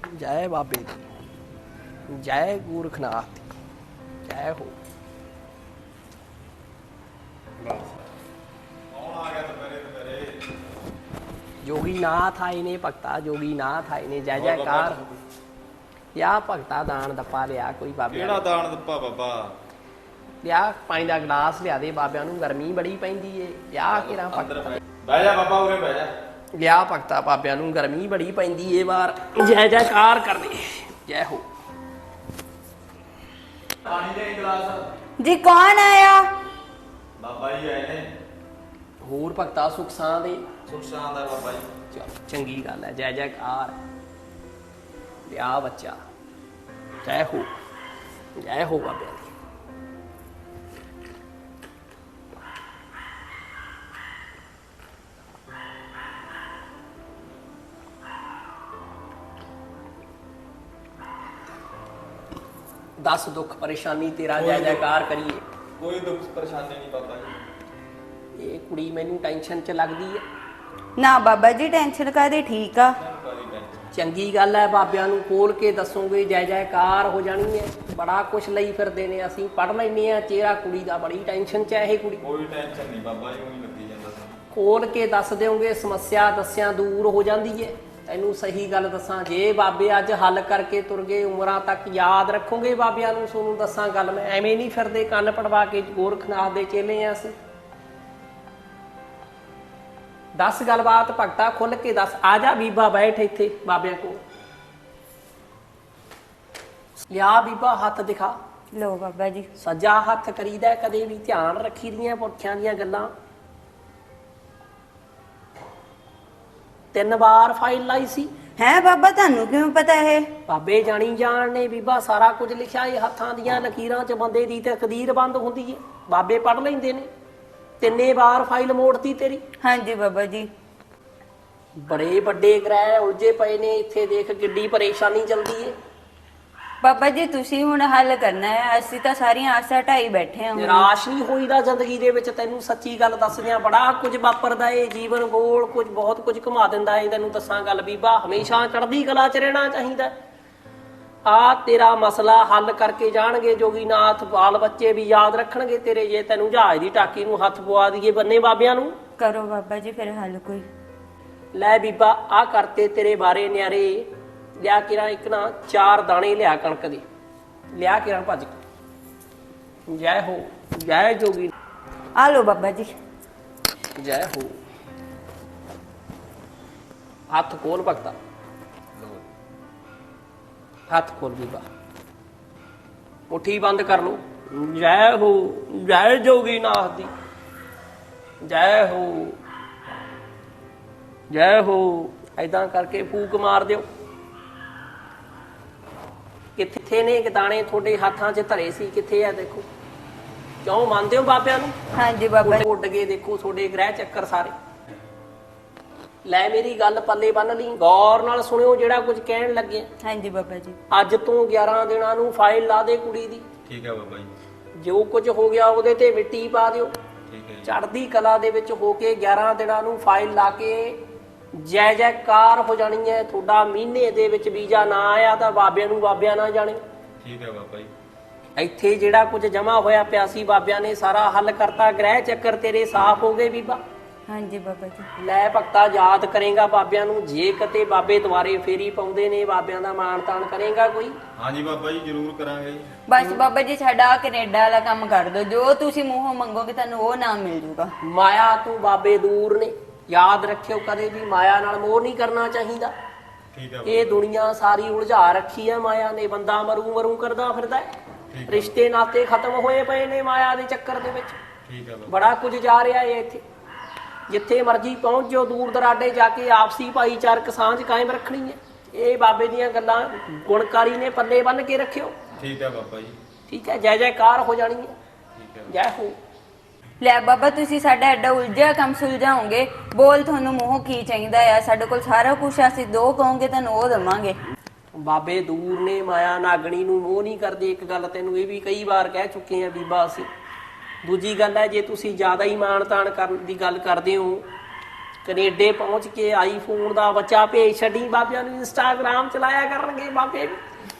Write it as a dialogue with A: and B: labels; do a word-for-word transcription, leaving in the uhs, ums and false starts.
A: जय बाबे दी, जय गोरखनाथ दी, जय हो। जोगीनाथ आए ने भगता, जोगीनाथ आए ने, जय जयकार। या भगता दान दप्पा लिया कोई बाबे
B: केड़ा दान दप्पा बाबा
A: लिया, पानी का गिलास लिया दे बाबिया नूं, गर्मी बड़ी पैंदी है। लिया केरा भगता
B: बह जा बाबा उरे बह जा।
A: लिया भगता बाबिया नूं, गर्मी बड़ी पैंदी है बाहर। जय जयकार कर दे, जय हो।
B: पानी दे गिलास
C: जी कौन आया?
B: बाबा जी आए ने।
A: होर भगता सुख सां दे।
B: सुख शांत है बाबा जी।
A: चल चंगी गल है, जय जयकार। लिया बच्चा, जय हो, जय हो बाबिया दी। दस दुख परेशानी तेरा जय जयकार करिए।
B: कोई दुख परेशानी नहीं बाबा जी।
A: ये कुड़ी मैनू टेंशन च लगदी है।
C: ना बाबा जी टेंशन कादी, ठीक आ।
A: चंगी गल है, बाबिया नूं खोल के दसोगे जय जयकार हो जानी है। बड़ा कुछ लई फिरदे ने, असीं पढ़ लैने आ चेहरा कुड़ी दा, बड़ी टेंशन च है ये कुड़ी।
B: कोई टेंशन नहीं बाबा जी, उही लगी जांदा सी।
A: खोल के दस दोगे समस्या दसिया दूर हो जाती है। तैनू सही गल दसां, जे बाबे अज हल करके तुर गए उमरां तक याद रखोगे बाबिया नूं। सोनू दसां गल, मैं एवें नहीं फिरदे कंन पड़वा के गोरखनाथ दे चेले आ असीं। दस गलबात भगता खुल के दस। आ जा बीबा बैठ इत्थे बाबिया को। लिया बीबा हथ दिखा।
C: लो बाबा जी।
A: सज्जा हथ करीदा कदे भी ध्यान रखी दियां पुरखियां दियां गल्लां। तीन बार फाइल लाई सी।
C: है बाबा थानू क्यों पता है?
A: बाबे जानी जान ने बीबा सारा कुछ लिखा है। हत्थां दियां लकीरां च बंदे दी तकदीर बंद हुंदी है, बाबे पढ़ लैंदे ने। तिन्ने बार फाइल मोड़ती तेरी।
C: हाँ जी बाबा जी।
A: बड़े बड़े ग्रह उलझे पए ने इत्थे, देख किड्डी परेशानी चलदी है।
C: बाबा जी तुसी हुण हल करना है, असीं तां सारियां आसां ढाई बैठे हां।
A: निराश नहीं होईदा जिंदगी दे विच। तैनू सच्ची गल दसदियां बड़ा कुछ वापरदा है, जीवन गोल कुछ बहुत कुछ घुमा दिंदा है। तैनू दसां गल बीबा, हमेशा चढ़दी कला च रहना चाहीदा। आ तेरा मसला हल करके जाणगे जोगीनाथ। बाल बच्चे भी याद रखणगे तेरे, जे तैनू जहाज दी टाकी नूं हथ पवा दईए बन्ने बाबियां नूं।
C: करो बाबा जी फिर हल कोई।
A: लै बीबा आ करते तेरे बारे न्यारे। लिया किरा एक ना चार दाने लिया कणक दे, लिया किरा भज के। जय हो, जय जोगी।
C: आ लो बाबा जी।
A: जय हो। हाथ खोल भगता, हाथ खोल बीबा, मुट्ठी बंद कर लो। जय हो, जय जोगीनाथ दी, जय हो, जय हो। ऐदां करके फूक मार दिओ। किथे ने दाने थोड़े हाथां च धरे सी, किथे आ देखो। क्यों मानते हो बाबिया नूं?
C: हाँ जी बाबा जी।
A: उड गए देखो थोड़े ग्रह चक्कर सारे। लै मेरी गल पल्ले बन ली, गौर नाल सुनियो जेड़ा कुछ कहण लगे।
C: हाँ जी बाबा जी।
A: अज तो ग्यारह दिनां नूं फाइल ला दे कुड़ी दी।
B: ठीक है बाबा जी।
A: जो कुछ हो गया ਉਹਦੇ ਤੇ ਮਿੱਟੀ ਪਾ ਦਿਓ।
B: ठीक है।
A: ਚੜ੍ਹਦੀ ਕਲਾ ਦੇ ਵਿੱਚ ਹੋ ਕੇ ग्यारह ਦਿਨਾਂ ਨੂੰ ਫਾਈਲ ਲਾ ਕੇ ਜੈ ਜੈਕਾਰ ਹੋ ਜਾਣੀ ਹੈ। ਤੁਹਾਡਾ ਮਹੀਨੇ ਦੇ ਵਿੱਚ ਵੀਜ਼ਾ ਨਾ ਆਇਆ ਤਾਂ ਬਾਬਿਆਂ ਨੂੰ ਬਾਬਿਆਂ ਨਾ ਜਾਣੇ।
B: ठीक है बाबा जी।
A: ਇੱਥੇ ਜਿਹੜਾ ਕੁਝ ਜਮਾ ਹੋਇਆ ਪਿਆ ਸੀ ਬਾਬਿਆਂ ਨੇ ਸਾਰਾ ਹੱਲ ਕਰਤਾ। ਗ੍ਰਹਿ ਚੱਕਰ ਤੇਰੇ ਸਾਫ਼ ਹੋ ਗਏ ਬੀਬਾ।
C: हाँ जी बाबा जी।
A: ਲੈ ਭਗਤਾ ਯਾਦ ਕਰੇਗਾ ਬਾਬਿਆਂ ਨੂੰ। ਜੇ ਕਿਤੇ ਬਾਬੇ ਦੁਆਰੇ ਫੇਰੀ ਪਾਉਂਦੇ ਨੇ ਬਾਬਿਆਂ ਦਾ ਮਾਣ ਤਾਣ ਕਰੇਗਾ ਕੋਈ?
B: हाँ जी बाबा जी जरूर करांगे।
C: बस बाबा जी साडा कनेडा वाला काम कर दो, जो तुसी मूंहों मंगोगे तानू वो नाम मिल जूगा।
A: ਮਾਇਆ ਤੋਂ ਬਾਬੇ ਦੂਰ ਨੇ, याद रखियो कदे भी माया नाल मोह नहीं करना चाहिदा।
B: ठीक है।
A: ये दुनिया सारी उलझा रखी है माया ने, बंदा मरू मरू करदा फिरदा है। रिश्ते नाते खत्म होए पए ने माया दे चक्कर दे विच।
B: ठीक है।
A: बड़ा कुछ जा रहा है इत्थे। जिथे मर्जी पहुंच जाओ, दूर दराडे जाके आपसी भाईचारक सांझ कायम रखनी है। ये बाबे दीयां गल्लां गुणकारी ने पल्ले बन के रखियो।
B: ठीक है बाबा जी।
A: ठीक है, जय जयकार हो जानी है।
B: ठीक है।
A: जय हो।
C: ਲੈ ਬਾਬਾ ਤੁਸੀਂ ਸਾਡਾ ਐਡਾ ਉਲਝਿਆ ਕੰਮ ਸੁਲਝਾਓਗੇ। ਬੋਲ ਤੁਹਾਨੂੰ ਮੂੰਹੋਂ ਕੀ ਚਾਹੀਦਾ ਆ? ਸਾਡੇ ਕੋਲ ਸਾਰਾ ਕੁਝ, ਅਸੀਂ ਦੋ ਕਹੋਗੇ ਤੁਹਾਨੂੰ ਉਹ ਦੇਵਾਂਗੇ।
A: ਬਾਬੇ ਦੂਰ ਨੇ, ਮਾਇਆ ਨਾਗਣੀ ਨੂੰ ਮੋਹ ਨਹੀਂ ਕਰਦੇ। ਇੱਕ ਗੱਲ ਤੈਨੂੰ ਇਹ ਵੀ ਕਈ ਵਾਰ ਕਹਿ ਚੁੱਕੇ ਆ ਬੀਬਾ ਅਸੀਂ। ਦੂਜੀ ਗੱਲ ਹੈ, ਜੇ ਤੁਸੀਂ ਜ਼ਿਆਦਾ ਹੀ ਮਾਣ ਤਾਣ ਕਰਨ ਦੀ ਗੱਲ ਕਰਦੇ ਹੋ ਕੈਨੇਡੇ ਪਹੁੰਚ ਕੇ ਆਈਫੋਨ ਦਾ ਬੱਚਾ ਭੇਜ ਛੱਡੀ, ਬਾਬਿਆਂ ਨੂੰ ਇੰਸਟਾਗ੍ਰਾਮ ਚਲਾਇਆ ਕਰਨਗੇ ਬਾਬੇ।